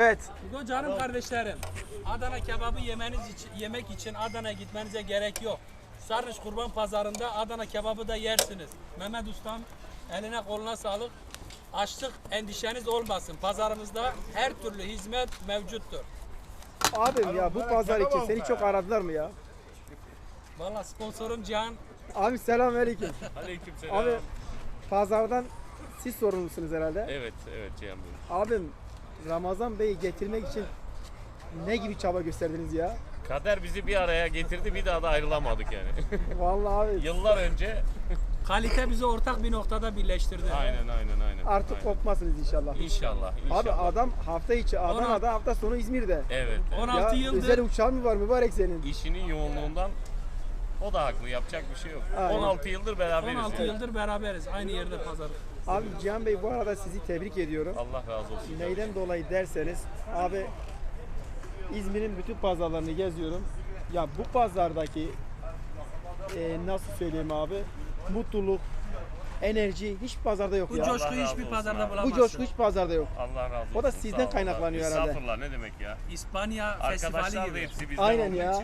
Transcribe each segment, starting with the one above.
Evet. Bugün canım kardeşlerim, Adana kebabı yemek için Adana'ya gitmenize gerek yok. Sarnıç Kurban Pazarı'nda Adana kebabı da yersiniz. Mehmet Ustam, eline koluna sağlık. Açlık endişeniz olmasın. Pazarımızda her türlü hizmet mevcuttur. Abim ya bu pazar için seni çok aradılar mı ya? Vallahi sponsorum Cihan. Abi selamünaleyküm. Aleykümselam. Abi pazardan siz sorumlusunuz herhalde. Evet Cihan Bey. Abim Ramazan Bey'i getirmek için ne gibi çaba gösterdiniz ya? Kader bizi bir araya getirdi, bir daha da ayrılamadık yani. Vallahi abi Yıllar önce Kalite bizi ortak bir noktada birleştirdi. aynen. artık Aynen. kopmazsınız inşallah. İnşallah. Abi adam hafta içi Adana'da, hafta sonu İzmir'de. Evet. 16 Ya yıldır özel uçağın mı var mübarek senin? İşinin yoğunluğundan o da haklı. Yapacak bir şey yok. Aynen. 16 yıldır beraberiz. 16 yani. yıldır beraberiz. Aynı yerde pazar. Abi Cihan Bey bu arada sizi tebrik ediyorum. Allah razı olsun. Neyden dolayı derseniz abi İzmir'in bütün pazarlarını geziyorum. Ya bu pazardaki nasıl söyleyeyim abi mutluluk, enerji hiç pazarda yok Bu ya. coşkuyu Allah razı hiçbir olsun pazarda abi. Bu bulamazsın. coşku hiç pazarda yok. Allah razı olsun. O da sizden Sağ olun. kaynaklanıyor herhalde. Estağfurullah, ne demek ya. İspanya festivali Arkadaşlar da gibi. hepsi bizden Aynen olduğu ya. için.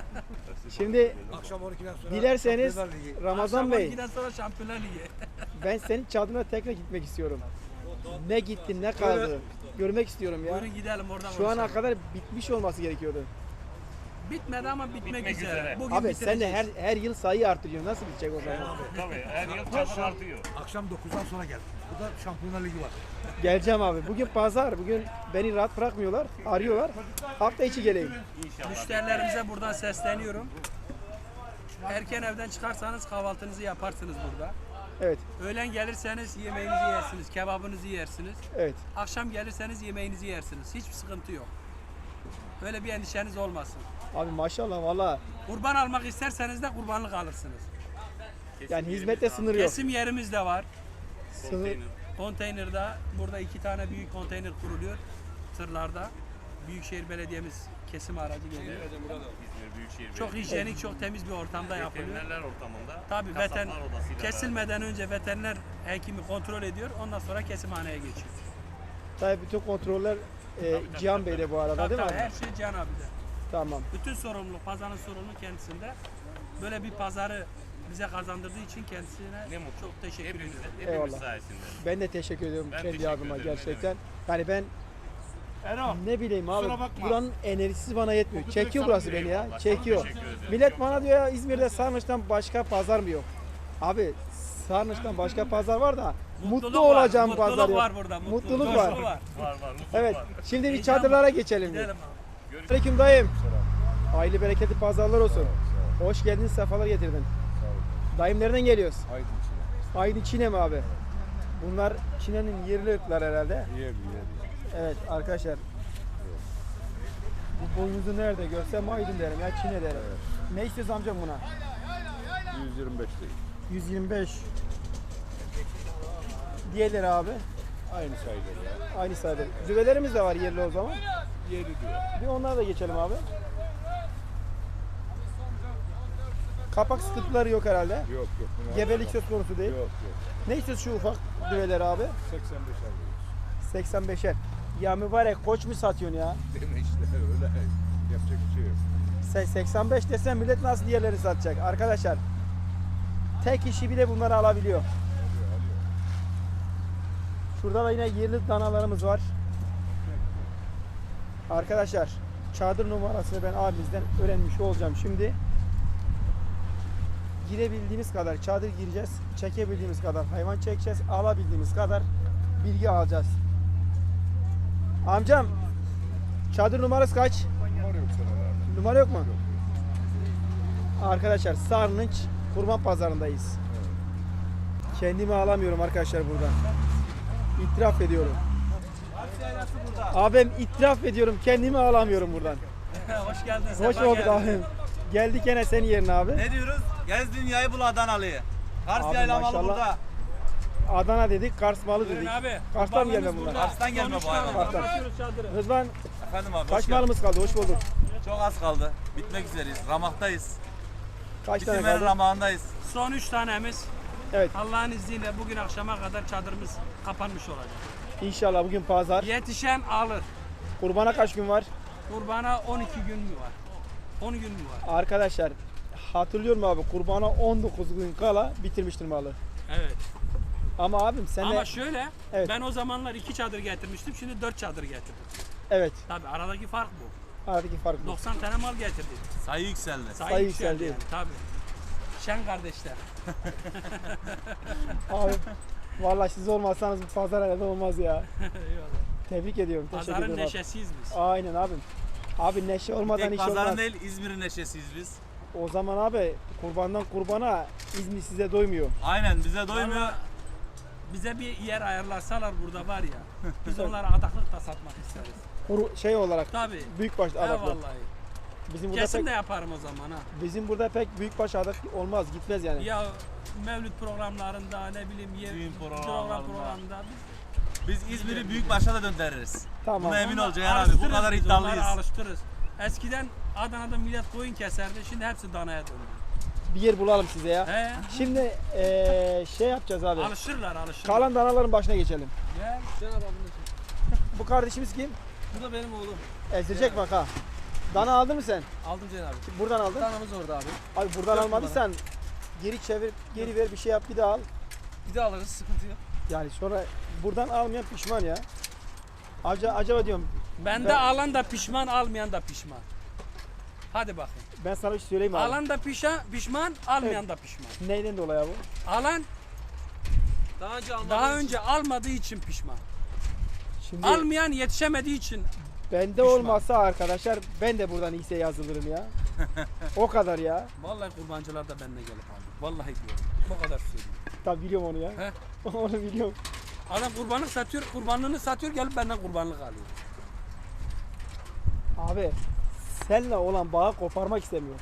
Şimdi Akşam 12'den sonra dilerseniz Şampiyonlar Ligi. Ramazan Akşam Bey 12'den sonra Şampiyonlar Ligi. ben senin çadırına tekrar gitmek istiyorum. Ne gitti ne kaldı görmek istiyorum ya. Buyurun gidelim oradan. Şu ana konuşalım. kadar bitmiş olması gerekiyordu. Bitmedi ama bitmek Bitmek üzere. üzere. Bugün Abi sen de bitireceğiz. her yıl sayı artırıyorsun. Nasıl bitecek o zaman? Tabii her yıl çadır artıyor. Akşam 9'dan sonra gel. Burada Şampiyonlar Ligi var. Geleceğim abi. Bugün pazar. Bugün beni rahat bırakmıyorlar. Arıyorlar. Hafta içi geleyim. İnşallah. Müşterilerimize buradan sesleniyorum. Erken evden çıkarsanız kahvaltınızı yaparsınız burada. Evet. Öğlen gelirseniz yemeğinizi yersiniz, kebabınızı yersiniz. Evet. Akşam gelirseniz yemeğinizi yersiniz. Hiçbir sıkıntı yok. Böyle bir endişeniz olmasın. Abi maşallah valla. Kurban almak isterseniz de kurbanlık alırsınız. Yani hizmette sınır yok. Kesim yerimiz de var. Sınır. Konteynerda burada 2 tane büyük konteyner kuruluyor tırlarda. Büyükşehir Belediye'miz kesim aracı geliyor. İzmir Büyükşehir Çok Belediyesi. hijyenik, çok temiz bir ortamda yapılıyor. Veterinerler ortamında. Tabii kasaplar odasıyla kesilmeden önce veteriner hekimi kontrol ediyor. Ondan sonra kesimhaneye geçiyor. Tabii bütün kontroller Cihan Bey'de bu arada Tabii, değil mi tabii, abi? her şey Can abi'de. Tamam. Bütün sorumluluk, pazarın sorumluluğu kendisinde. Böyle bir pazarı bize kazandırdığı için kendisine Ne mutlu. çok teşekkür Hepimiz, ediyorum. hepimiz Eyvallah. sayesinde. Ben de teşekkür ediyorum Ben kendi teşekkür adıma ederim, ne gerçekten. Yani ben Erol. ne bileyim abi kusura bakma. buranın enerjisi bana yetmiyor. Çok Çekiyor güzel burası beni ya. Eyvallah, Çekiyor. çok teşekkür ederim. Millet Çok bana diyor ya İzmir'de Sarnıç'tan başka pazar mı yok? Abi Sarnıç'tan başka pazar var da mutlu var, olacağım mutluluk pazar yok. var burada. Mutluluk coşku var. Var mutluluk Evet. var. Şimdi bir Heyecan çadırlara var. geçelim. Gidelim abi. Aleyküm dayım. Hayırlı bereketli pazarlar olsun. Hoş geldin, sefalar getirdin. Dayım nereden geliyoruz? Aydın içine. Aydın Çin'e mi abi? Bunlar Çin'in yerli ırklar herhalde. Yer. Evet arkadaşlar. Bu boynuzu nerede görsem Aydın derim ya Çin'e derim. Ne istiyorsun amcam buna? 125 değil. 125. Diğerleri abi. Aynı sayıdır ya. Aynı sayıda. Düvelerimiz de var yerli o zaman. Yeri diyor. Bir onlara da geçelim abi. Kapak sıkıntıları yok herhalde. Yok. Bunlar Gebelik söz konusu değil. Yok. Ne istiyorsun şu ufak düveleri abi? 85 alıyoruz. 85'er. Ya mübarek koç mu satıyorsun ya? Deme işte öyle. Yapacak bir şey yok. Sen 85 desen millet nasıl diğerlerini satacak? Arkadaşlar tek kişi bile bunları alabiliyor. Şurada da yine yerli danalarımız var. Arkadaşlar çadır numarasını ben abimizden öğrenmiş olacağım şimdi. Girebildiğimiz kadar çadır gireceğiz. Çekebildiğimiz kadar hayvan çekeceğiz. Alabildiğimiz kadar bilgi alacağız. Amcam çadır numarası kaç? Numara yok senelerden. Numara yok mu? Arkadaşlar Sarnıç Kurban Pazarı'ndayız. Kendimi alamıyorum arkadaşlar burada. İtiraf ediyorum. Abim itiraf ediyorum kendimi alamıyorum buradan. Hoş geldin. Hoş sefa bulduk geldin. abim. Geldik gene senin yerine abi. Ne diyoruz? Gez dünyayı bul Adanalı'yı. Kars Abi yaylamalı maşallah. burada. Adana dedik, Kars malı Buyurun dedik. abi. Kars'tan mı gelme Kurbanımız bunlar? burada. Kars'tan gelme bu Sonuçta hayvan. Kars'tan. kapatıyoruz çadırı. Rıdvan Efendim abi kaç hoş geldin. malımız kaldı? Hoş bulduk. Çok az kaldı. Bitmek üzereyiz. Ramaktayız. Kaç tane Bitirmenin kaldı? ramağındayız. Son 3 tanemiz. Evet. Allah'ın izniyle bugün akşama kadar çadırımız kapanmış olacak. İnşallah bugün pazar. Yetişen alır. Kurbana kaç gün var? Kurbana 12 gün mü var? 10 gün mü var? Arkadaşlar hatırlıyorum abi, kurbana 19 gün kala bitirmiştir malı. Evet. Ama abim sen de Ama şöyle, Evet. ben o zamanlar 2 çadır getirmiştim, şimdi 4 çadır getirdim. evet, Tabii aradaki fark bu. aradaki fark bu. 90 tane mal getirdik. Sayı yükseldi. Sayı yükseldi. yükseldi yani, tabii. Şen kardeşler. Abi vallahi siz olmazsanız bu pazar herhalde olmaz ya. Eyvallah. Tebrik ediyorum. Teşekkür Pazarın ederim. Abi. neşesiyiz biz. Aynen abim. Abi neşe olmadan Tek iş pazarın olmaz. değil İzmir'in neşesiyiz biz. O zaman abi kurbandan kurbana İzmir size doymuyor. Aynen bize doymuyor. Vallahi bize bir yer ayarlasalar burada var ya, biz onlara adaklık da satmak isteriz. Şey olarak Tabii. büyükbaş adaklı. Vallahi. Bizim burada Kesin pek de yaparım o zaman ha. bizim burada pek büyükbaş adak olmaz, gitmez yani. Ya mevlüt programlarında ne bileyim Düğün programlarında programlarında. Biz İzmir'i büyükbaşa da döndürürüz. Tamam. Buna emin ol Onları Ceyhan abi. Bu alıştırırız kadar biz, iddialıyız. onları alıştırırız. Eskiden Adana'da millet koyun keserdi, şimdi hepsi danaya döndü. Bir yer bulalım size ya. He? Şimdi şey yapacağız abi. Alışırlar. Kalan danaların başına geçelim. Gel. Bu kardeşimiz kim? Bu da benim oğlum. Ezilecek bak ha. Dana aldın mı sen? Aldım Ceyhan abi. Buradan aldın. Danamız orada abi. Abi buradan Dört almadıysan geri çevir, geri ver, bir şey yap, bir daha al. Bir de alırız, sıkıntı yok. Yani sonra buradan almayan pişman ya. Acaba diyorum, Bende Ben- alan da pişman, almayan da pişman. Hadi bakayım. ben sana bir şey söyleyeyim mi abi. Alan da pişman, almayan da pişman. Neyden dolayı bu? Alan Daha önce almadığım daha için- önce almadığı için pişman. Şimdi Almayan yetişemediği için. bende olmasa arkadaşlar ben de buradan X'e yazılırım ya. O kadar ya. Vallahi kurbancılar da benimle gelip aldı. Vallahi diyorum. Bu kadar söyleyeyim. Tabii biliyorum onu ya. He? Onu biliyorum. Adam kurbanlık satıyor, kurbanlığını satıyor, gelip benden kurbanlık alıyor. Abi seninle olan bağı koparmak istemiyorum.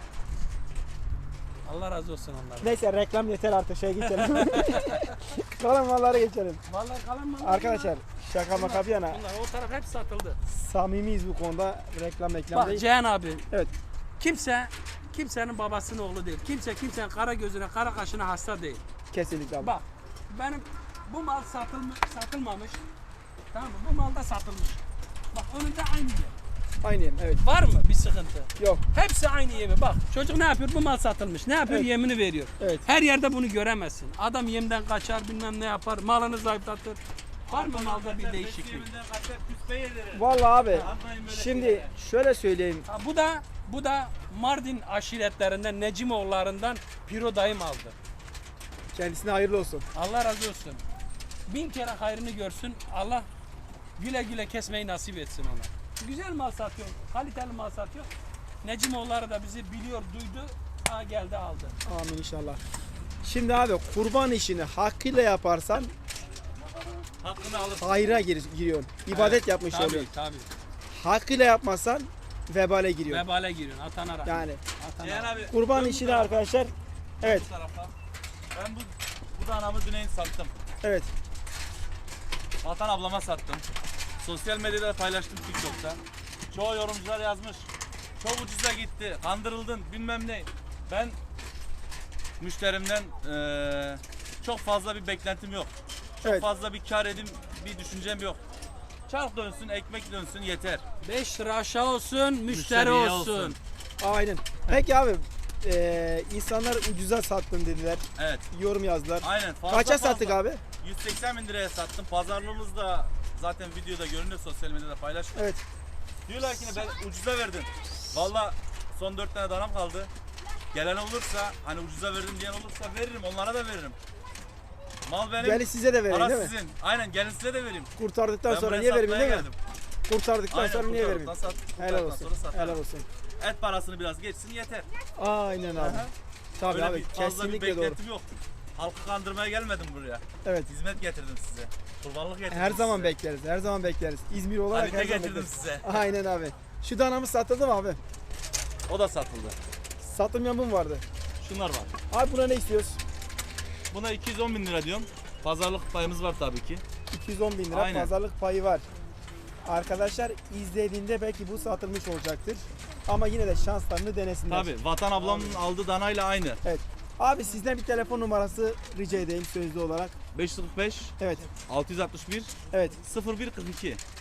Allah razı olsun onlardan. Neyse reklam yeter artık, şey geçelim. Kalan mallara geçelim. Vallahi kalan mı? Arkadaşlar şaka maka bir yana Bunlar o taraf hep satıldı. samimiyiz bu konuda, reklam Bak değil. Cihan abi. Evet. Kimsenin babasının oğlu değil. Kimsenin kara gözüne, kara kaşına hasta değil. Kesinlikle abi. Bak benim bu mal satılmamış. Tamam mı? Bu mal da satılmış. Bak önünde aynı yer. Aynı yerim, evet. Var mı bir sıkıntı? Yok. Hepsi aynı yemi. Bak çocuk ne yapıyor? Bu mal satılmış. Ne yapıyor? Evet. Yemini veriyor. Evet. Her yerde bunu göremezsin. Adam yemden kaçar, bilmem ne yapar. Malını zayıflatır. Var mı malda bir değişiklik? Yeminden kaçar, küspe yedirir. Vallahi abi Yapmayın böyle şimdi şeyler. şöyle söyleyeyim. Ha, bu da Mardin aşiretlerinden Necimoğullarından Piro dayım aldı. Kendisine hayırlı olsun. Allah razı olsun. 1000 kere hayrını görsün. Allah güle güle kesmeyi nasip etsin ona. Güzel mal satıyor, kaliteli mal satıyor. Necimoğulları da bizi biliyor, duydu. Ha geldi aldı. Amin inşallah. Şimdi abi kurban işini hakkıyla yaparsan Hakkını alırsın. hayra giriyorsun. İbadet yapmış Tabii oluyorsun. tabii. Hakkıyla yapmazsan vebale giriyorsun. Vebale giriyorsun. Atana rahmet. Yani Atana Ceyhan rahmet. abi. kurban dön bu işini tarafa, arkadaşlar, evet bu tarafa. Ben bu danamı Düneyn sattım. evet Vatan ablama sattım. Sosyal medyada da paylaştım, TikTok'ta. Çoğu yorumcular yazmış. Çok ucuza gitti, kandırıldın bilmem ne. Ben müşterimden çok fazla bir beklentim yok. Çok Evet. fazla bir kar edim bir düşüncem yok. Çark dönsün, ekmek dönsün yeter. 5 lira aşağı olsun, müşteri Müşteriye olsun. olsun. aynen. Peki abi insanlar ucuza sattın dediler. Evet. Yorum yazdılar. Aynen. Fazla Kaça fazla. sattık abi? 180 bin liraya sattım. Pazarlığımız da zaten videoda görünüyor, sosyal medyada paylaştık. Evet. Diyorlar ki ben ucuza verdim. Valla son 4 tane danam kaldı. Gelen olursa, hani ucuza verdim diyen olursa veririm, onlara da veririm. Mal benim, Yani size de vereyim para değil mi? sizin. Aynen, gelin size de vereyim. Kurtardıktan Ben sonra buraya niye vereyim satmaya değil mi? geldim. Kurtardıktan Aynen, sonra niye kurtardıktan vereyim? sat- Helal kurtardıktan olsun. sonra satarım. Helal olsun. Et parasını biraz geçsin yeter. Aynen abi. Aha. Tabii Öyle abi bir fazla bir kesinlikle doğru. beklentim yok. Halkı kandırmaya gelmedim buraya. Evet. Hizmet getirdim size. Kurbanlık getirdim Her zaman size. bekleriz. Her zaman bekleriz. İzmir olarak Kalite her zaman getirdim bekleriz. size. Aynen abi. Şu danamız satıldı mı abi? O da satıldı. Satılmayan bu mu vardı? Şunlar var. Abi buna ne istiyoruz? Buna 210 bin lira diyorum. Pazarlık payımız var tabii ki. 210 bin lira Aynen. pazarlık payı var. Arkadaşlar izlediğinde belki bu satılmış olacaktır. Ama yine de şanslarını denesinler. Tabii. Vatan ablamın aldığı danayla aynı. Evet. Abi sizden bir telefon numarası rica edeyim sözlü olarak. 545 Evet. 661 Evet. 0142.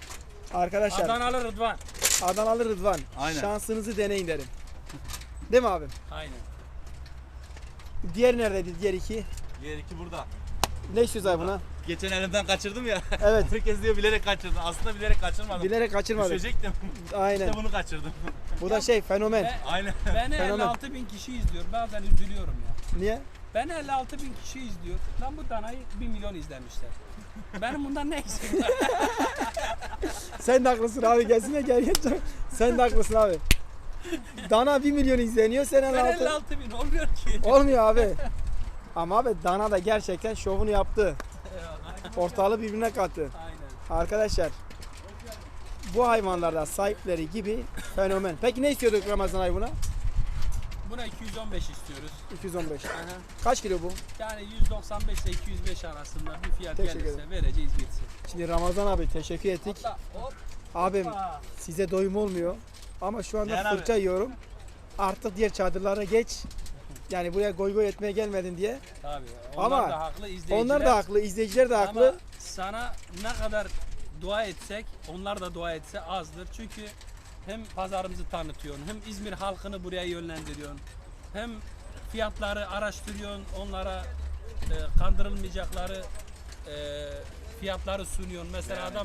Arkadaşlar Adanalı Rıdvan. Adanalı Rıdvan. Aynen. Şansınızı deneyin derim. Değil mi abim? Aynen. Diğer neredeydi? Diğer iki. Diğer iki burada. Ne istiyoruz abi buna? Geçen elimden kaçırdım ya. Evet. Herkes diyor bilerek kaçırdın. Aslında bilerek kaçırmadım. Bilerek kaçırmadık. Düşecektim. Aynen. İşte bunu kaçırdım. Bu da şey fenomen. Ve Aynen. beni Fenomen. 56 bin kişi izliyor. Bazen üzülüyorum ya. Niye? Beni 56 bin kişi izliyor. Lan bu danayı 1 milyon izlemişler. Benim bundan ne eksiğim var? Sen de haklısın abi. Gelsene gel. Sen de haklısın abi. Dana 1 milyon izleniyor. Sen Ben 56. 56 bin olmuyor ki. Olmuyor abi. Ama abi Dana da gerçekten şovunu yaptı. Ortalığı birbirine kattı. Aynen. Arkadaşlar bu hayvanlarda sahipleri gibi fenomen. Peki ne istiyorduk Ramazan ayı buna? Buna 215 istiyoruz. 215. Aha. Kaç kilo bu? Yani 195 ile 205 arasında bir fiyat Teşekkür gelirse vereceğiz gitsin. Şimdi Ramazan abi teşekkür ettik. Hopla, hop. Abim Hoppa. size doyum olmuyor. Ama şu anda Değer abi. fırça yiyorum. Artık diğer çadırlara geç. Yani buraya goy goy etmeye gelmedin diye. Tabii. Onlar Ama da haklı izleyiciler. Onlar da haklı, izleyiciler de haklı. Ama sana ne kadar dua etsek, onlar da dua etse azdır. Çünkü hem pazarımızı tanıtıyorsun, hem İzmir halkını buraya yönlendiriyorsun. Hem fiyatları araştırıyorsun, onlara kandırılmayacakları fiyatları sunuyorsun. Mesela adam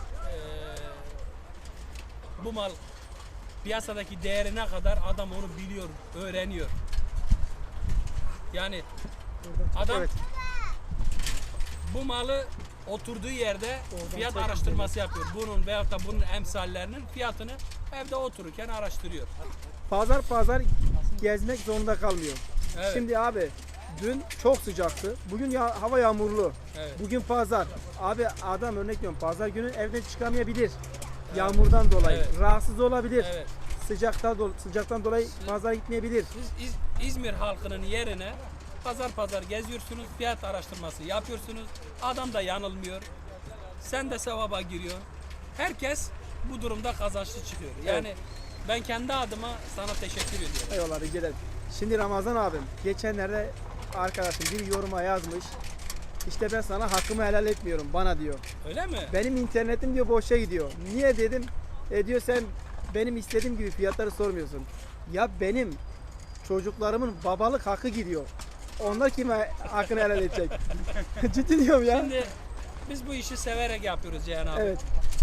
bu mal piyasadaki değeri ne kadar adam onu biliyor, öğreniyor. Yani adam Evet. bu malı oturduğu yerde fiyat araştırması yapıyor. Bunun veyahut da bunun emsallerinin fiyatını evde otururken araştırıyor. Pazar gezmek zorunda kalmıyor. Evet. Şimdi abi dün çok sıcaktı. Bugün hava yağmurlu. Evet. Bugün pazar. Abi adam örnek veriyorum pazar günü evden çıkamayabilir. Yağmurdan dolayı. Evet. Rahatsız olabilir. Evet. Sıcaktan dolayı pazara gitmeyebilir. Siz İzmir halkının yerine pazar geziyorsunuz, fiyat araştırması yapıyorsunuz. Adam da yanılmıyor. Sen de sevaba giriyorsun. Herkes bu durumda kazançlı çıkıyor. Yani ben kendi adıma sana teşekkür ediyorum. Eyvallah rica ederim. Şimdi Ramazan abim geçenlerde arkadaşım bir yoruma yazmış. İşte ben sana hakkımı helal etmiyorum bana diyor. Öyle mi? Benim internetim diyor boşa gidiyor. Niye dedim? Diyor sen benim istediğim gibi fiyatları sormuyorsun. Ya benim çocuklarımın babalık hakkı gidiyor. Onlar kime hakkını helal edecek? Ciddi diyorum ya. Şimdi biz bu işi severek yapıyoruz Cihan abi. Evet.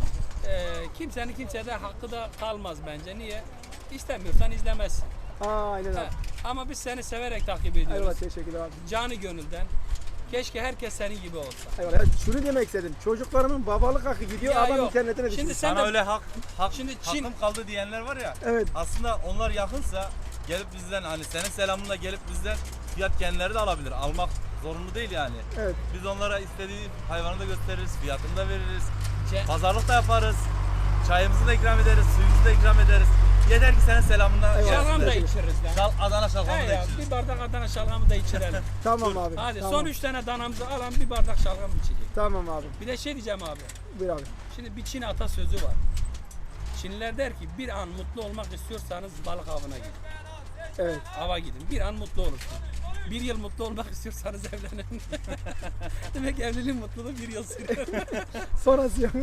Kimsenin kimsede hakkı da kalmaz bence. Niye? İstemiyorsan izlemezsin. Aynen Ha, abi. Ama biz seni severek takip ediyoruz. Eyvallah teşekkürler abi. Canı gönülden. Keşke herkes senin gibi olsa. Eyvallah. Yani şunu demek istedim. Çocuklarımın babalık hakkı gidiyor. Ya Adam yok. internetine düşüyor. Şimdi sen Sana de öyle Şimdi Çin- hakkım kaldı diyenler var ya. Evet. Aslında onlar yakınsa gelip bizden hani senin selamınla gelip bizden fiyat kendileri de alabilir. Almak zorunlu değil yani. Evet. Biz onlara istediği hayvanı da gösteririz, fiyatını da veririz. Ce- Pazarlık da yaparız. Çayımızı da ikram ederiz, suyumuzu da ikram ederiz. Yeter ki senin selamına Eyvallah. şalgam da Evet. içiriz lan. Adana şalgamı He da ya, içiriz. bir bardak Adana şalgamı da içirelim. Tamam abi. Hadi tamam. son 3 tane danamızı alan bir bardak şalgam içecek. Tamam abi. Bir de şey diyeceğim abi. Buyur abi. Şimdi bir Çin atasözü var. Çinliler der ki bir an mutlu olmak istiyorsanız balık avına gidin. Evet. Ava gidin. Bir an mutlu olursun. Bir yıl mutlu olmak istiyorsanız evlenin. Demek evliliğin mutluluğu bir yıl sürüyor. Sonrası yok.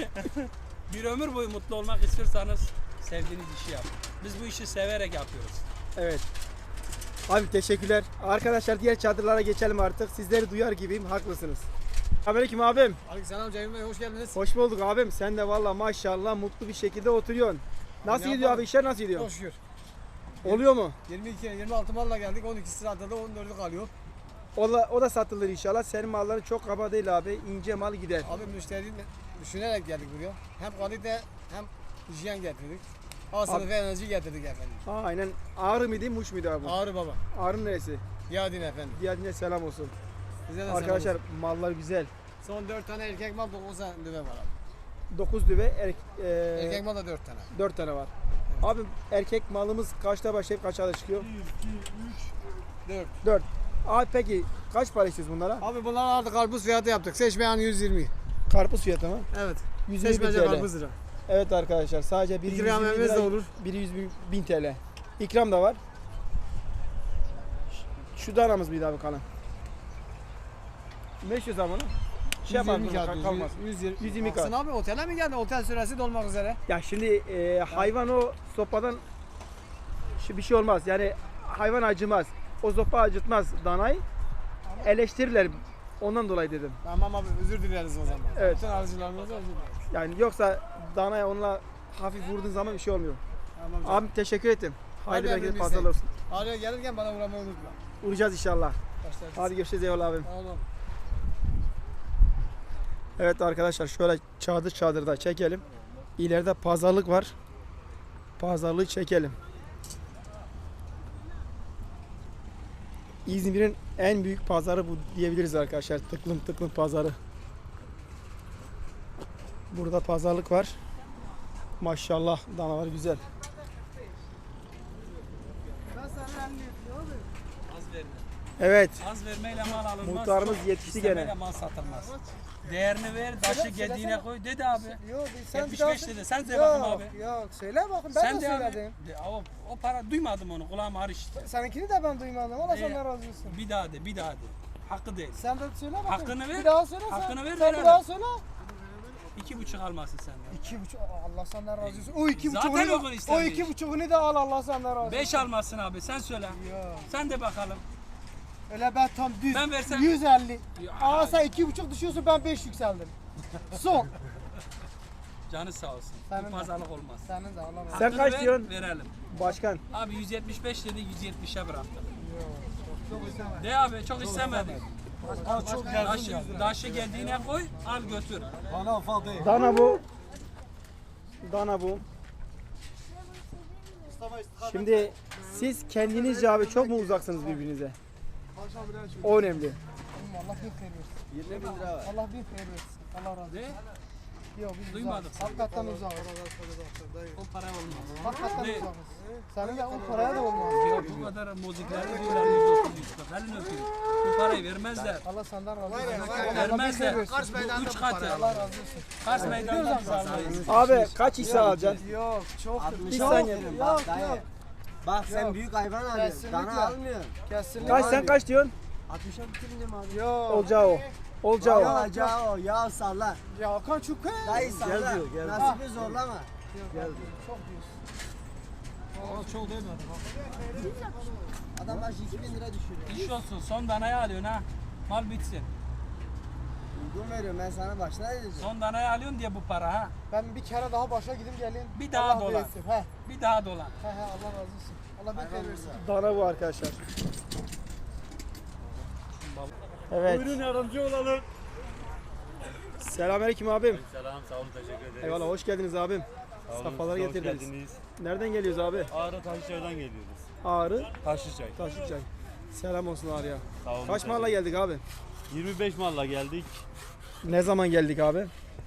Bir ömür boyu mutlu olmak istiyorsanız sevdiğiniz işi yapın. Biz bu işi severek yapıyoruz. Evet. Abi teşekkürler. Arkadaşlar diğer çadırlara geçelim artık. Sizleri duyar gibiyim. Haklısınız. Aleyküm abim. Aleykümselam Cemil Bey, hoş geldiniz. Hoş bulduk abim. Sen de valla maşallah mutlu bir şekilde oturuyorsun. Nasıl Ne gidiyor yapalım? abi? İşler nasıl gidiyor? Çok şükür. Oluyor mu? 26 malla geldik, 12'si adada, 14'ü kalıyor. O da satılır inşallah. Senin malların çok kaba değil abi. İnce mal gider. Abi müşteri düşünerek geldik buraya. Hem kalite hem hijyen getirdik. A sınıfı enerji getirdik efendim. Aynen. Ağrı mıydı, Muş muydu abi? Ağrı baba. Ağrı'nın neresi? Yadin efendim. Diyadine selam olsun. Size de Arkadaşlar selam mallar güzel. olsun. Son 4 tane erkek mal, 9 tane düve var abi. 9 düve, Erkek mal da 4 tane. 4 tane var. Abi erkek malımız kaçta başlayıp kaça da çıkıyor? 4. 4. Abi peki kaç para istiyoruz bunlara? Abi bunlar artık karpuz fiyatı yaptık. Seçmeyen 120. Karpuz fiyatı mı? Evet. 120 Seçmece TL. karpuz lira. Evet arkadaşlar sadece biri İkram 120 emriniz lira, de olur. biri 100 TL. İkram da var. Şu danamız mıydı abi kalan? Ne istiyoruz abi onu? şey yapalım. 120 kağıt. Kalmaz. 120 kağıt. Baksana abi otele mi geldi? Otel süresi dolmak üzere. Ya şimdi hayvan o sopadan bir şey olmaz. Yani hayvan acımaz. O sopa acıtmaz danayı. Eleştirirler. Ondan dolayı dedim. Tamam abi özür dileriz o zaman. Evet. Bütün alıcılarımıza özür dileriz. Yani yoksa danaya onunla hafif vurduğun zaman bir şey olmuyor. Tamam canım. Abi teşekkür ettim. Hayırlı Hadi bereketli abi, pazarlar olsun. Araya gelirken bana uğramayı unutma. Uğrayacağız inşallah. Başlarız. Hadi görüşürüz eyvallah abim. Tamam. Evet arkadaşlar şöyle çadırda çekelim. İleride pazarlık var. Pazarlığı çekelim. İzmir'in en büyük pazarı bu diyebiliriz arkadaşlar. Tıklım tıklım pazarı. Burada pazarlık var. Maşallah danalar güzel. Az verme. Evet. Az vermeyle mal alınmaz. Muhtarımız çok yetişti istemeyle gene. mal satılmaz. Değerini ver, taşı gediğine koy. Dedi abi. Yok sen 75 dedi. Sen de bakayım abi. Yok söyle bakın ben Sen de de abi. söyledim. O para duymadım onu. Kulağım harıştı. Seninkini de ben duymadım. Allah Ee, senden razı olsun. Bir daha de, bir daha de. Hakkı değil. Sen de söyle bakın. Hakkını ver. Bir daha söyle sen. Hakkını ver, Sen verelim. bir daha söyle. 2,5 almasın senden. 2,5 Allah senden razı olsun. O 2,5'unu Zaten uygun da, o istenmiş. 2,5'unu da al Allah senden razı olsun. 5 almasın abi. Sen söyle. Yok. Sen de bakalım. Öyle ben tam düz. Ben versem- 150. Ya. Aa sen 2,5 düşüyorsun ben 5 yükseldim. Son. Canı sağ olsun. Senin Bu de. pazarlık olmaz. Senin de Allah razı olsun. Sen Hakkını kaç ver, diyorsun? Verelim. Başkan. Abi 175 dedi, 170'e bıraktık. De abi çok istemedik. Daşı geldiğine koy, al götür. Dana bu. Dana bu. Şimdi siz kendinizce abi çok mu uzaksınız birbirinize? O önemli. Allah bir hayır versin. 20 bin lira var. Allah bir hayır versin. Allah razı olsun. De, Yok biz Duymadık. uzağız. Hakikaten uzağız. o para olmaz. Hakikaten Ne? uzağız. Senin de o paraya da olmaz. Ya bu kadar muzikleri diyorlar 130 140. Elini öpeyim. Bu parayı vermezler. Allah senden razı olsun. Vermezler. Kars Bu 3 katı. Allah razı olsun. Kars meydanında biz almayız. Abi kaç hisse alacaksın? Yok çok Bir saniye. yok yok. Bak sen büyük hayvan alıyorsun. Kesinlikle. Dana almıyorsun. Kesinlikle. Kaç sen kaç diyorsun? 60'a bitirdim abi. Yok. Olacağı o. Olacağı o. Olacağı o. Ya sallar. Ya Hakan çok he. Dayı sallar. Nasibi zorlama. Çok diyorsun. Adam başı 2000 lira düşürüyor. İş olsun. Son danayı alıyorsun ha. Mal bitsin. Uygun veriyorum ben sana başına dedim. Son danayı alıyorsun diye bu para ha. Ben bir kere daha başa gidip geleyim. Bir daha Allah dolan. büyüksün. He Bir daha dolan. he Allah razı olsun. Allah bir hayır versin. Dana bu arkadaşlar. Evet. Buyurun yardımcı olalım. Selamünaleyküm abim. Selam sağ olun teşekkür ederiz. Eyvallah hoş geldiniz abim. Sağ olun, Safalar siz de hoş getirdiniz. geldiniz. Nereden geliyoruz abi? Ağrı Taşlıçay'dan geliyoruz. Ağrı, Taşlıçay. Taşlıçay. Selam olsun Ağrı'ya. Sağ olun. Kaç malla geldik abi? 25 malla geldik. Ne zaman geldik abi?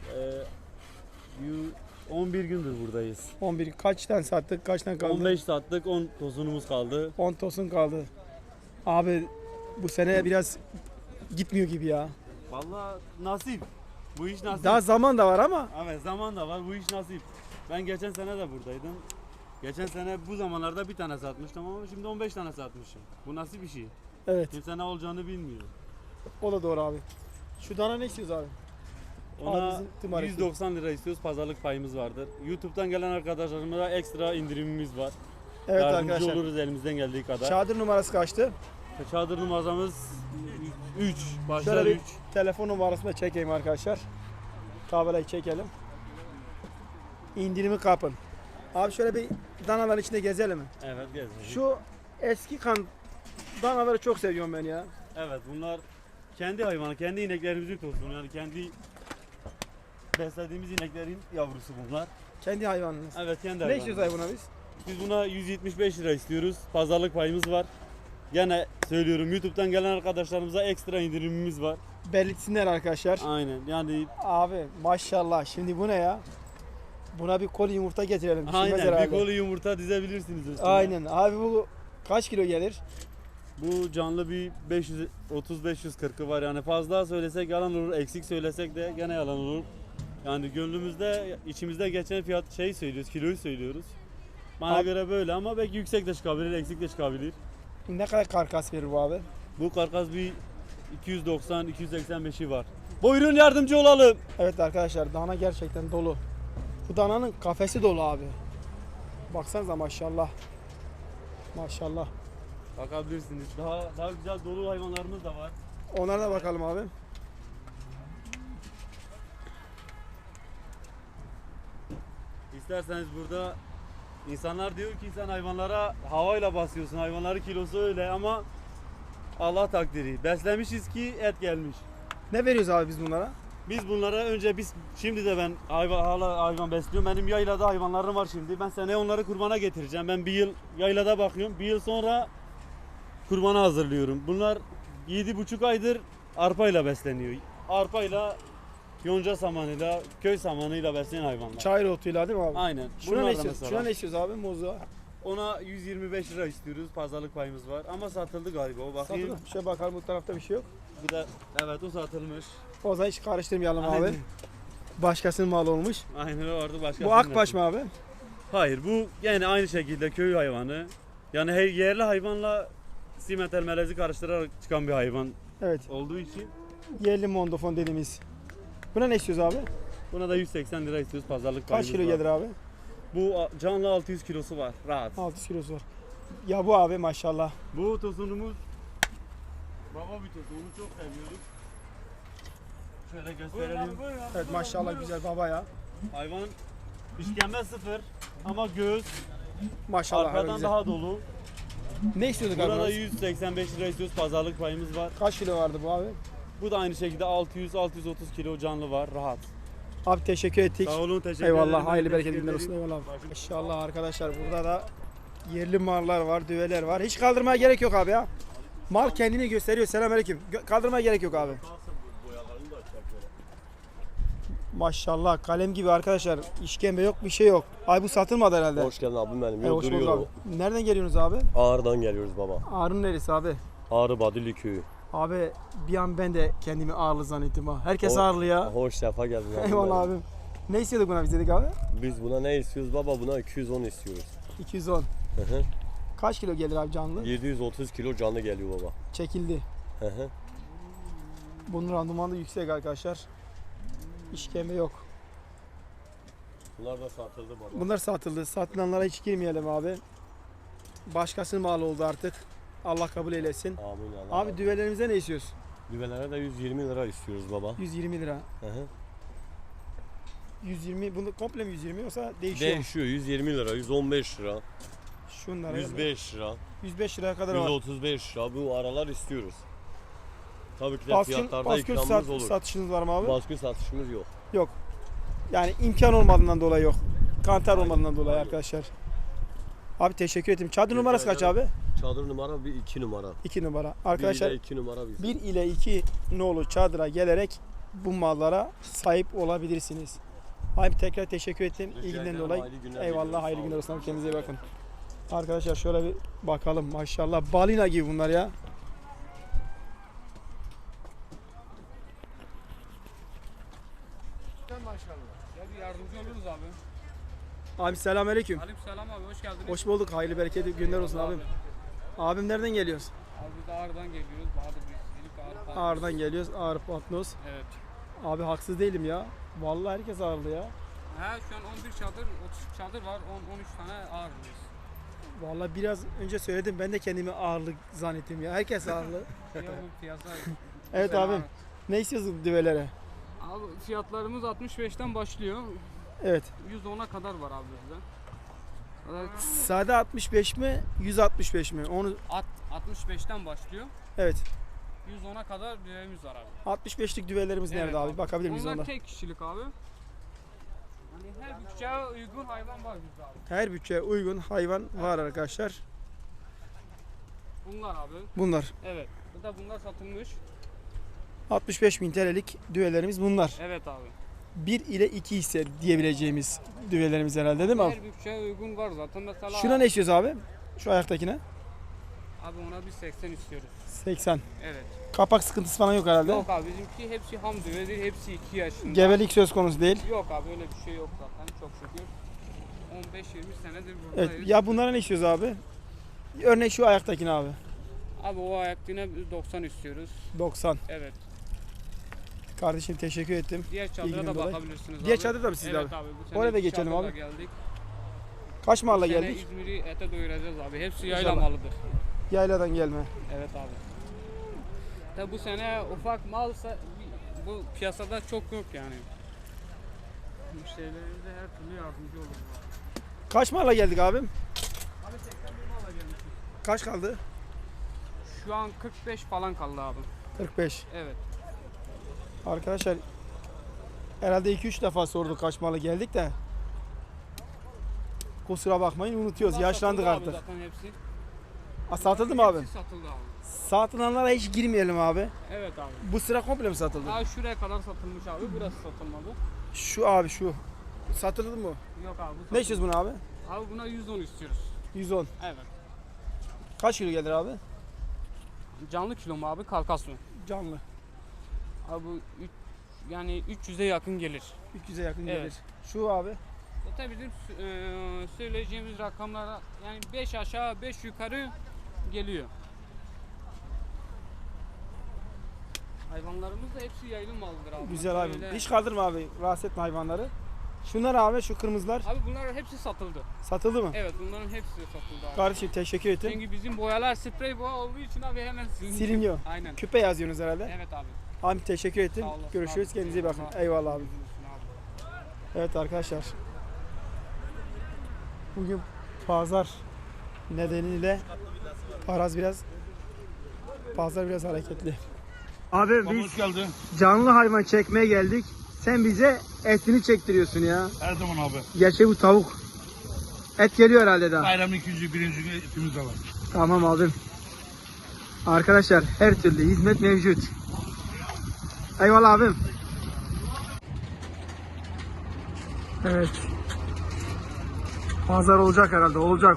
11 gündür buradayız. 11. Kaçtan sattık? Kaçtan kaldı? 15 sattık 10 tosunumuz kaldı. 10 tosun kaldı. Abi bu sene biraz gitmiyor gibi ya. Vallahi nasip. Bu iş nasip. Daha zaman da var ama Evet zaman da var bu iş nasip. Ben geçen sene de buradaydım. Geçen sene bu zamanlarda bir tane satmıştım ama şimdi 15 tane satmışım. Bu nasıl bir şey? evet Kimse ne olacağını bilmiyor. o da doğru abi. Şu dana ne istiyoruz abi? Ona bizim tımarisi. 190 lira istiyoruz. Pazarlık payımız vardır. YouTube'dan gelen arkadaşlarımıza ekstra indirimimiz var. Evet Yardımcı arkadaşlar. oluruz elimizden geldiği kadar. Çadır numarası kaçtı? Çadır numaramız 3. Başlar Şöyle 3. bir telefon numarasını da çekeyim arkadaşlar. Tabelayı çekelim. İndirimi kapın. Abi şöyle bir danaların içinde gezelim mi? Evet gezdik. Şu eski kan danaları çok seviyorum ben ya. Evet bunlar kendi hayvanı, kendi ineklerimizin tosunu yani kendi beslediğimiz ineklerin yavrusu bunlar. Kendi hayvanımız. Evet kendi Ne hayvanı. istiyoruz hayvana biz? Biz buna 175 lira istiyoruz. Pazarlık payımız var. Gene söylüyorum YouTube'dan gelen arkadaşlarımıza ekstra indirimimiz var. Belirtsinler arkadaşlar. Aynen yani Abi maşallah şimdi bu ne ya? Buna bir koli yumurta getirelim. Pişirmez aynen herhalde. bir kolu yumurta dizebilirsiniz üstüne. Aynen. Abi bu kaç kilo gelir? Bu canlı bir 530-540'ı var yani fazla söylesek yalan olur, eksik söylesek de gene yalan olur. Yani gönlümüzde, içimizde geçen fiyat söylüyoruz, kiloyu söylüyoruz. Bana Abi- göre böyle ama belki yüksek de çıkabilir, eksik de çıkabilir. Ne kadar karkas verir bu abi? Bu karkas bir 290-285'i var. Buyurun yardımcı olalım. Evet arkadaşlar dana gerçekten dolu. Bu dananın kafesi dolu abi. Baksanıza maşallah. Maşallah. Bakabilirsiniz. Daha güzel dolu hayvanlarımız da var. Onlara da bakalım abi. İsterseniz burada insanlar diyor ki sen hayvanlara havayla basıyorsun. Hayvanların kilosu öyle ama Allah takdiri. Beslemişiz ki et gelmiş. Ne veriyoruz abi biz bunlara? Biz bunlara önce şimdi de ben hala hayvan besliyorum. Benim yaylada hayvanlarım var şimdi. Ben seneye onları kurbana getireceğim. Ben bir yıl yaylada bakıyorum. Bir yıl sonra kurbana hazırlıyorum. Bunlar 7,5 aydır arpayla besleniyor. Arpayla, yonca samanıyla, köy samanıyla beslenen hayvanlar. Çayır otuyla değil mi abi? Aynen. Şuna Bunlar ne da istiyoruz? mesela. Şuna ne istiyoruz abi? Moza. Ona 125 lira istiyoruz. Pazarlık payımız var. Ama satıldı galiba. O bakayım. Satılır. Şöyle bakalım, bu tarafta bir şey yok. Bu da evet o satılmış. O zaman hiç karıştırmayalım Aynen. abi. Başkasının malı olmuş. Aynen orada başka. Bu akbaş mı abi? Hayır, bu yine aynı şekilde köy hayvanı. Yani her yerli hayvanla simetel melezi karıştırarak çıkan bir hayvan Evet. olduğu için Yerli mondofon dediğimiz. Buna ne istiyoruz abi? buna da 180 lira istiyoruz, pazarlık Kaç payımız kilo var. gelir abi? Bu canlı 600 kilosu var rahat. 600 kilosu var. Ya bu abi maşallah. Bu tosunumuz baba bir tosun, onu çok seviyoruz. Şöyle gösterelim. Evet maşallah güzel baba ya. Hayvan işkembe sıfır ama göğüs Maşallah abi arkadan güzel. daha dolu. Ne istiyorduk abi? Burada biz? 185 lira istiyoruz, pazarlık payımız var. Kaç kilo vardı bu abi? Bu da aynı şekilde 600-630 kilo canlı var rahat. Abi teşekkür ettik. Sağ olun, teşekkür ederim. Eyvallah, Ben hayırlı teşekkür bereketli günler ederim. olsun. Eyvallah abi. İnşallah arkadaşlar burada da yerli mallar var, düveler var. Hiç kaldırmaya gerek yok abi ya. Mal kendini gösteriyor. Selamünaleyküm. Kaldırmaya gerek yok abi. Maşallah kalem gibi arkadaşlar. İşkembe yok, bir şey yok. Ay bu satılmadı herhalde. Hoş geldin abim benim. Hey, Yok hoş bulduk duruyor abi. o. Nereden geliyorsunuz abi? Ağrı'dan geliyoruz baba. Ağrı'nın neresi abi? Ağrı Badilli köyü. Abi bir an ben de kendimi ağırlı zannettim ha. Herkes O- ağırlı ya. Hoş sefa geldin abim Eyvallah benim. abim. Ne istiyorduk buna biz dedik abi? Biz buna ne istiyoruz baba? Buna 210 istiyoruz. 210. Hı hı. Kaç kilo gelir abi canlı? 730 kilo canlı geliyor baba. Çekildi. Hı hı. Bunun randımanı da yüksek arkadaşlar. İşkembe yok. Bunlar da satıldı baba. Bunlar satıldı. Satılanlara hiç girmeyelim abi. Başkasının malı oldu artık. Allah kabul eylesin. Amin Allah. Abi düvelerimize ne istiyoruz? Düvelere de 120 lira istiyoruz baba. 120 lira. Hı hı. 120, bunu komple mi 120 yoksa değişiyor mu? Değişiyor 120 lira, 115 lira, Şunlara 105 lira, 105 liraya kadar var. 135 lira. Bu aralar istiyoruz. Tabii ki de Baskın, fiyatlarda baskın ikramımız olur. satışınız var mı abi? Baskın satışımız yok. Yok. Yani imkan olmadığından dolayı yok. Kantar olmadığından dolayı arkadaşlar. Abi teşekkür ederim. Çadır numarası kaç abi? Çadır numara bir 2 numara. 2 numara. Arkadaşlar 2 numara bizim. 1 ile 2 nolu çadıra gelerek bu mallara sahip olabilirsiniz. Abi tekrar teşekkür ettim Rica ilginden ederim, dolayı. hayırlı günler Eyvallah, diliyorum, hayırlı sağ günler olun. olsun. Kendinize iyi bakın. Arkadaşlar şöyle bir bakalım maşallah balina gibi bunlar ya. Ya bir yardımcı oluruz abi. Abi selamünaleyküm. Aleykümselam abi, hoş geldiniz. Hoş bulduk. Hayırlı bereketli günler olsun abim. Abim nereden geliyoruz? Abi biz de Ağrı'dan geliyoruz. Bahadır Büyükçilik, Ağrı Park. Ağrı'dan geliyoruz. Ağrı Patnos. Evet. Abi haksız değilim ya. Vallahi herkes ağırlı ya. Ha şu an 11 çadır, 30 çadır var. 13 tane Ağrı'lıyız. Vallahi biraz önce söyledim. Ben de kendimi ağırlı zannettim ya. Herkes ağırlı. Ya bu piyasa. Evet güzel abim. abi. Ne istiyorsun düvelere? Abi fiyatlarımız 65'ten başlıyor. Evet. 110'a kadar var abi bizde. Sade 65 mi? 165 mi? Onu 65'ten başlıyor. evet. 110'a kadar düğümüz var abi. 65'lik düvelerimiz Evet nerede abi? Bakabilir miyiz Onlar onda? tek kişilik abi. Hani her bütçeye uygun hayvan var bizde abi. Her bütçeye uygun hayvan var arkadaşlar. Bunlar abi. Bunlar. Evet. Bu da bunlar satılmış. 65.000 TL'lik düvelerimiz bunlar. Evet abi. 1 ile 2 ise diyebileceğimiz düvelerimiz herhalde değil mi abi? Her bütçeye uygun var zaten. Mesela Şuna ne istiyoruz abi? Şu ayaktakine? abi ona bir 80 istiyoruz. 80. Evet. Kapak sıkıntısı falan yok herhalde. Yok abi bizimki hepsi ham düvedir. Hepsi 2 yaşında. Gebelik söz konusu değil. Yok abi öyle bir şey yok zaten çok şükür. 15-20 senedir buradayız. Evet. Ya bunlara ne istiyoruz abi? Örneğin şu ayaktakine abi. Abi o ayak yine 90 istiyoruz. 90. Evet. Kardeşim teşekkür ettim. Diğer çadıra İlginin da dolayı. bakabilirsiniz Diğer abi. çadır da mı sizde Evet abi? abi. Bu sene Oraya da iki geçelim çadırla abi. Geldik. Kaç mahalla Bu sene geldik? İzmir'i ete doyuracağız abi. Hepsi yayla İnşallah. malıdır. Yayladan gelme. Evet abi. Tabi bu sene ufak malsa bu piyasada çok yok yani. Müşterilerimize her türlü yardımcı oluruz. Kaç mahalla geldik abim? Abi 81 mala gelmişiz. Kaç kaldı? Şu an 45 falan kaldı abi. 45. Evet. Arkadaşlar herhalde 2-3 defa sorduk kaç mahalla geldik de. Kusura bakmayın unutuyoruz. Bunlar Yaşlandık satıldı artık. Abi zaten hepsi. Satıldı mı abi? Hepsi satıldı abi. Satılanlara hiç girmeyelim abi. Evet abi. Bu sıra komple mi satıldı? Daha şuraya kadar satılmış abi. Burası satılmadı. Şu abi şu. Satıldı mı? Yok abi. Bu Ne istiyoruz bunu abi? Abi buna 110 istiyoruz. 110. Evet. Kaç kilo gelir abi? Canlı kilo mu abi? Karkas mı? Canlı. Abi bu yani 300'e yakın gelir. 300'e yakın Evet. gelir. Şu abi. Zaten bizim söyleyeceğimiz rakamlara yani 5 aşağı 5 yukarı geliyor. Hayvanlarımız da hepsi yayılım malıdır abi. Güzel abi. Öyle- Hiç kaldırma abi. Rahatsız etme hayvanları. Şunlar abi şu kırmızılar. Abi bunlar hepsi satıldı. Satıldı mı? Evet bunların hepsi satıldı abi. Kardeşim teşekkür ettim. Çünkü bizim boyalar sprey boya olduğu için abi hemen siliniyor. Siliniyor. Aynen. Küpe yazıyorsunuz herhalde. Evet abi. Abi teşekkür ettim. Sağ olasın Görüşürüz. abi. Kendinize iyi bakın. Eyvallah abi. Evet arkadaşlar. Bugün pazar nedeniyle pazar biraz hareketli. Abi biz Hoş geldin. canlı hayvan çekmeye geldik. Sen bize etini çektiriyorsun ya. Her zaman abi. Gerçi bu tavuk. Et geliyor herhalde daha. Bayramın ikinci, birinci günü etimiz de var. Tamam abim. Arkadaşlar her türlü hizmet mevcut. Eyvallah abim. Evet. Pazar olacak herhalde. Olacak.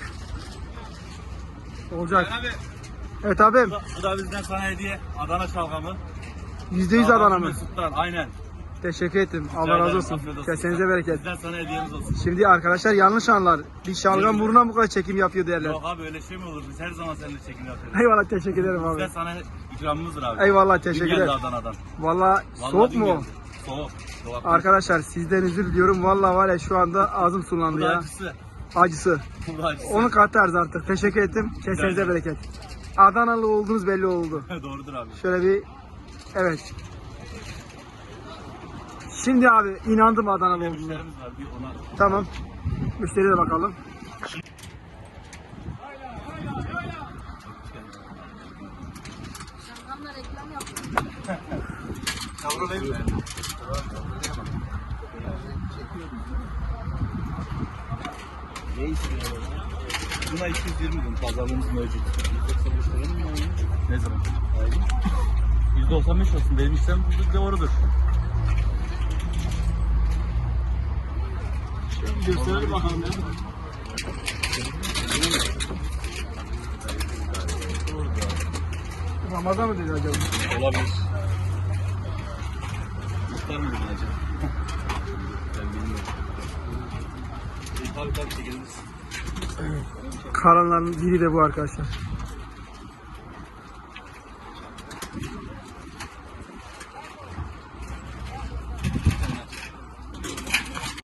Olacak. Abi Evet abim. bu da bizden sana hediye. Adana şalgamı. %100 Adana mı? Mesut'tan, aynen. Teşekkür ettim. Allah razı olsun. Afiyet olsun. Kesenize bereket. Bizden sana hediyemiz olsun. Şimdi arkadaşlar yanlış anlar. Bir şalgam buruna bu kadar çekim yapıyor derler. Yok abi öyle şey mi olur? Biz her zaman seninle çekim yapıyoruz. Eyvallah teşekkür ederim Bizden abi. sana ikramımızdır abi. Eyvallah Dün teşekkür geldi ederim. Adana'dan. Vallahi Vallahi soğuk dün mu? geldi. Soğuk. Dolapta. Arkadaşlar sizden özür diliyorum. Vallahi var ya şu anda ağzım Bu sulandı da ya. acısı. Acısı. Bu da acısı. Onu katarız artık. Teşekkür ettim. Kesenize ederim. bereket. Adanalı olduğunuz belli oldu. Doğrudur abi. Şöyle bir evet. Şimdi abi inandım Adanalı olduğuna. Müşterimiz var. Bir ona Tamam. Müşteriye de bakalım. kavrulayım mı? Ne istiyor? Buna 220 gün pazarlığımız mevcut. 195 lira mı? Ne zaman? %95 olsun. Benim işlem doğrudur. Gösterelim bakalım ya. Ramazan mı dedi acaba? Olabilir. İftar mı dedin acaba? Ben bilmiyorum. Tabii çekiliriz. Karanların biri de bu arkadaşlar.